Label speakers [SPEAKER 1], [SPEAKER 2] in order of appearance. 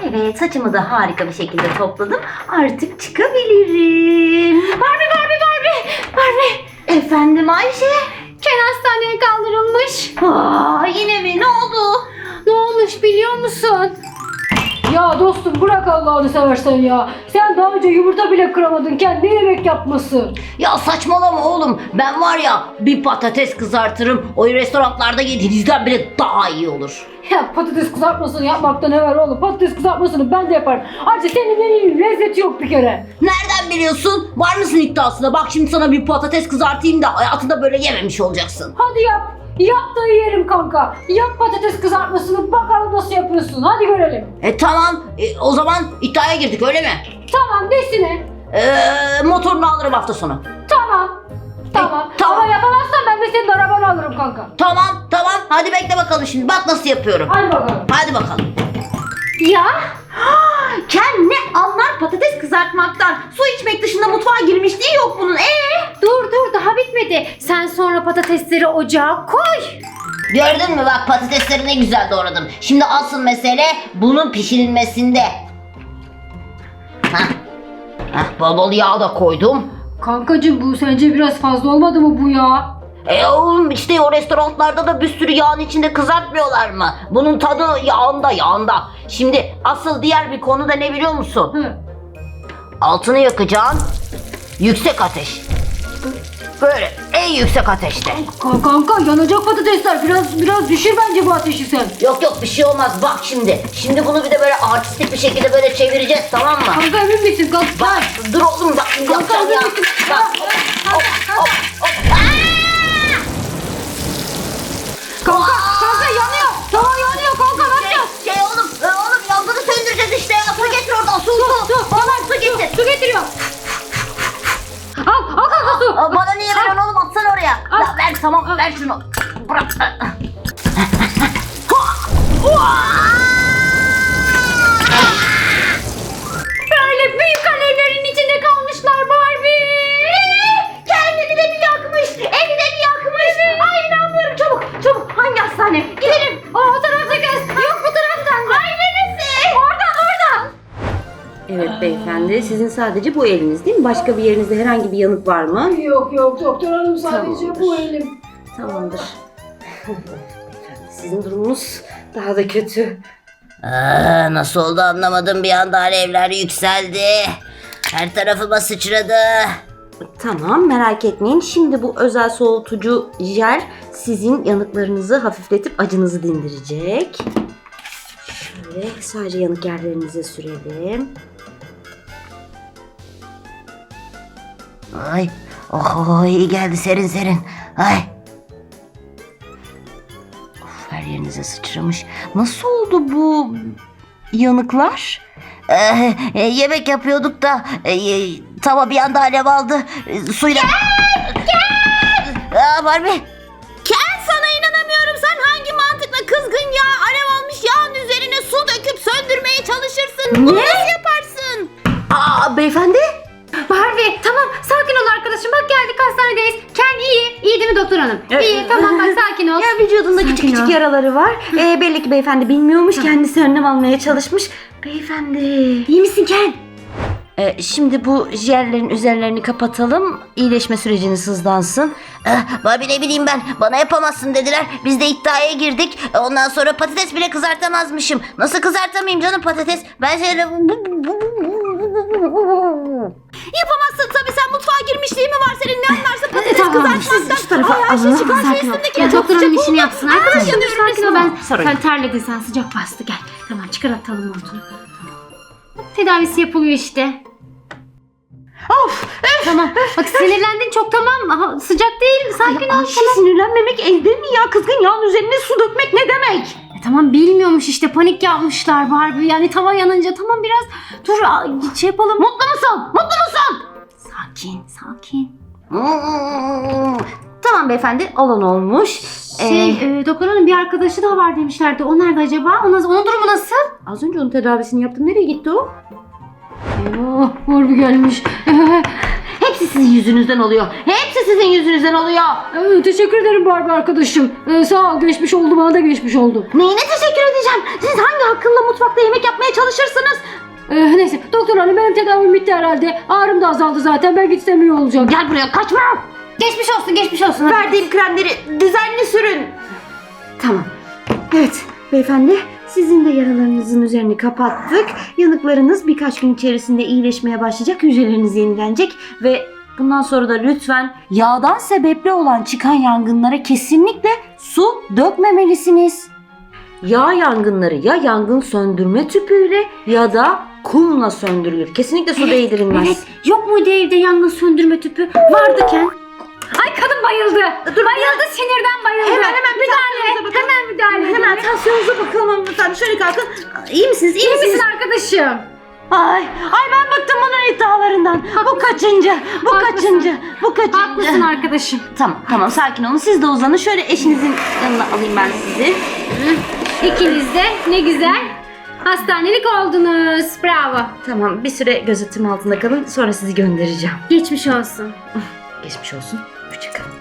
[SPEAKER 1] Evet, saçımı da harika bir şekilde topladım. Artık çıkabilirim.
[SPEAKER 2] Barbie.
[SPEAKER 1] Efendim Ayşe?
[SPEAKER 2] Ken hastaneye kaldırılmış.
[SPEAKER 1] Yine mi? Ne oldu?
[SPEAKER 2] Ne olmuş biliyor musun? Ya dostum bırak Allah'ını seversen ya. Sen daha önce yumurta bile kıramadın. Kendi yemek yapması.
[SPEAKER 1] Ya saçmalama oğlum. Ben var ya bir patates kızartırım. O restoranlarda yediğinizden bile daha iyi olur.
[SPEAKER 2] Ya patates kızartmasını yapmakta ne var oğlum? Patates kızartmasını ben de yaparım. Ayrıca senin menünün lezzeti yok bir kere.
[SPEAKER 1] Nereden biliyorsun? Var mısın iddiasına? Bak şimdi sana bir patates kızartayım da hayatında böyle yememiş olacaksın.
[SPEAKER 2] Hadi yap. Yap da yiyelim kanka. Yap patates kızartmasını bakalım nasıl yapıyorsun. Hadi görelim.
[SPEAKER 1] Tamam. O zaman iddiaya girdik öyle mi?
[SPEAKER 2] Tamam desine.
[SPEAKER 1] Motorunu alırım hafta sonu.
[SPEAKER 2] Tamam. Tamam.
[SPEAKER 1] tamam.
[SPEAKER 2] Ama yapamazsan ben de senin arabanı alırım kanka.
[SPEAKER 1] Tamam. Hadi bekle bakalım şimdi. Bak nasıl yapıyorum.
[SPEAKER 2] Hadi bakalım.
[SPEAKER 1] Hadi bakalım.
[SPEAKER 3] Ya Ken ne anlar patates kızartmaktan? Su içmek dışında mutfağa girmişliği yok bunun.
[SPEAKER 2] Dur daha bitmedi. Sen sonra patatesleri ocağa koy.
[SPEAKER 1] Gördün mü bak patatesleri ne güzel doğradım. Şimdi asıl mesele bunun pişirilmesinde. Bol bol yağ da koydum.
[SPEAKER 2] Kankacığım bu sence biraz fazla olmadı mı bu ya?
[SPEAKER 1] Oğlum işte o restoranlarda da bir sürü yağın içinde kızartmıyorlar mı? Bunun tadı yağında. Şimdi asıl diğer bir konu da ne biliyor musun?
[SPEAKER 2] Hı.
[SPEAKER 1] Altını yakacaksın. Yüksek ateş. Böyle en yüksek ateşte.
[SPEAKER 2] Kanka yanacak patatesler. Biraz düşür bence bu ateşi sen.
[SPEAKER 1] Yok bir şey olmaz bak şimdi. Şimdi bunu bir de böyle artistik bir şekilde böyle çevireceğiz tamam mı?
[SPEAKER 2] Kanka emin misin?
[SPEAKER 1] Bak dur oğlum bak yapacağım ya. Bak hop.
[SPEAKER 2] Kanka yanıyor. Tamam yanıyor kanka ne yapacağız?
[SPEAKER 1] Oğlum yangını söndüreceğiz işte ya. Su getir oradan su. Bana su getir.
[SPEAKER 2] Su getiriyor. Al kanka su.
[SPEAKER 1] Bana niye veriyorsun oğlum atsana oraya.
[SPEAKER 2] Al.
[SPEAKER 1] Ya ver tamam ver şunu. Bırak.
[SPEAKER 2] Böyle büyük alevlerin içinde kalmışlar Barbie.
[SPEAKER 3] Kendini de mi yakmış? Evi de mi yakmış? Ay inanmıyorum, çabuk hangi hastane? Gidelim.
[SPEAKER 2] O tarafta kız. Yok bu taraftan.
[SPEAKER 3] Ay neresi? Oradan.
[SPEAKER 1] Evet beyefendi sizin sadece bu eliniz değil mi? Başka bir yerinizde herhangi bir yanık var mı?
[SPEAKER 2] Yok doktor hanım sadece
[SPEAKER 1] Tamamdır.
[SPEAKER 2] bu elim.
[SPEAKER 1] Tamamdır. Beyefendi sizin durumunuz daha da kötü. Nasıl oldu anlamadım bir anda alevler yükseldi. Her tarafıma sıçradı. Tamam merak etmeyin. Şimdi bu özel soğutucu jel sizin yanıklarınızı hafifletip acınızı dindirecek. Şöyle sadece yanık yerlerinize sürelim. Ay, iyi geldi serin. Ay. Of, her yerinize sıçramış. Nasıl oldu bu yanıklar? Yemek yapıyorduk da tava bir anda alev aldı. Suyla... Gel! Barbie.
[SPEAKER 3] Ken sana inanamıyorum. Sen hangi mantıkla kızgın yağ, alev almış yağın üzerine su döküp söndürmeye çalışırsın? Bunu nasıl yaparsın?
[SPEAKER 1] Beyefendi?
[SPEAKER 2] Barbie tamam sakin ol arkadaşım bak geldik hastanedeyiz. Ken iyi değil mi doktor hanım? İyi tamam bak sakin ol.
[SPEAKER 1] Ya vücudunda
[SPEAKER 2] Sakin
[SPEAKER 1] küçük
[SPEAKER 2] ol.
[SPEAKER 1] yaraları var. Belli ki beyefendi bilmiyormuş. Kendisi önlem almaya çalışmış. Beyefendi.
[SPEAKER 2] İyi misin Ken?
[SPEAKER 1] Şimdi bu jellerin üzerlerini kapatalım. İyileşme süreciniz hızlansın. Barbie ne bileyim ben. Bana yapamazsın dediler. Biz de iddiaya girdik. Ondan sonra patates bile kızartamazmışım. Nasıl kızartamayayım canım patates? Ben şöyle...
[SPEAKER 3] Yapamazsın tabii, sen mutfağa girmişliğin mi var senin, ne anlarsın patates
[SPEAKER 2] Tamam,
[SPEAKER 3] kızartmaktan?
[SPEAKER 1] siz şu tarafa
[SPEAKER 3] Ay Ayşe
[SPEAKER 1] alın.
[SPEAKER 3] çıkar şu
[SPEAKER 2] Sakin ol.
[SPEAKER 3] üstündeki
[SPEAKER 2] Ya
[SPEAKER 3] çok
[SPEAKER 2] doktor hanım
[SPEAKER 3] sıcak
[SPEAKER 2] işini
[SPEAKER 3] oldu.
[SPEAKER 2] yapsın. Arkadaşım
[SPEAKER 3] yanıyorum
[SPEAKER 2] sakin ol ben.
[SPEAKER 1] Sorun
[SPEAKER 2] Sen
[SPEAKER 1] yok.
[SPEAKER 2] terledin sen sıcak bastı gel. Tamam çıkar atalım montunu. Tedavisi yapılıyor işte. Tamam. Bak sinirlendin çok tamam. Aha, sıcak değil. Sakin ol.
[SPEAKER 1] Ayşe sinirlenmemek elde mi ya? Kızgın yağın üzerine su dökmek ne demek?
[SPEAKER 2] Tamam bilmiyormuş işte panik yapmışlar Barbie. Yani tava yanınca tamam biraz dur şey yapalım.
[SPEAKER 1] Mutlu musun?
[SPEAKER 2] Sakin.
[SPEAKER 1] Tamam beyefendi olan olmuş.
[SPEAKER 2] Doktor hanım bir arkadaşı daha var demişlerdi. O nerede acaba? Onun durumu nasıl?
[SPEAKER 1] Az önce onun tedavisini yaptım. Nereye gitti o?
[SPEAKER 2] Oh, Barbie gelmiş.
[SPEAKER 1] Hepsi sizin yüzünüzden oluyor. Hepsi sizin yüzünüzden oluyor.
[SPEAKER 2] Teşekkür ederim Barbie arkadaşım. Sağ ol geçmiş oldu bana da geçmiş oldu.
[SPEAKER 1] Neyine teşekkür
[SPEAKER 3] söyleyeceğim. Siz hangi akılla mutfakta yemek yapmaya çalışırsınız?
[SPEAKER 2] Neyse doktor hanım benim tedavim bitti herhalde. Ağrım da azaldı zaten. Ben gitsem iyi olacak.
[SPEAKER 3] Gel buraya, kaçma.
[SPEAKER 1] Geçmiş olsun, geçmiş olsun. Hadi.
[SPEAKER 3] Verdiğim kremleri düzenli sürün. Tamam. Evet beyefendi, sizin de yaralarınızın üzerini kapattık. Yanıklarınız birkaç gün içerisinde iyileşmeye başlayacak. Hücreleriniz yenilenecek ve bundan sonra da lütfen yağdan sebepli olan çıkan yangınlara kesinlikle su dökmemelisiniz. Yağ yangınları ya yangın söndürme tüpüyle ya da kumla söndürülür. Kesinlikle su değdirilmez.
[SPEAKER 1] Evet, yok muydu evde yangın söndürme tüpü? Vardı Ken.
[SPEAKER 2] Ay kadın bayıldı. Bayıldı, sinirden bayıldı.
[SPEAKER 3] Hemen müdahale.
[SPEAKER 2] Hemen müdahale.
[SPEAKER 3] Hemen tansiyonunuza bakalım hanımefendi. Şöyle kalkın. İyi misiniz? İyi
[SPEAKER 2] İyi
[SPEAKER 3] misiniz?
[SPEAKER 2] misin arkadaşım?
[SPEAKER 3] Ay ben bıktım bunun iddialarından. Bu kaçıncı? Bu
[SPEAKER 2] Haklısın.
[SPEAKER 3] kaçıncı? Bu kaçıncı?
[SPEAKER 2] Haklısın arkadaşım.
[SPEAKER 3] Tamam sakin olun. Siz de uzanın. Şöyle eşinizin yanına alayım ben sizi.
[SPEAKER 2] İkiniz de ne güzel hastanelik oldunuz. Bravo.
[SPEAKER 3] Tamam bir süre gözetim altında kalın. Sonra sizi göndereceğim.
[SPEAKER 2] Geçmiş olsun.
[SPEAKER 3] Geçmiş olsun. Hoşçakalın.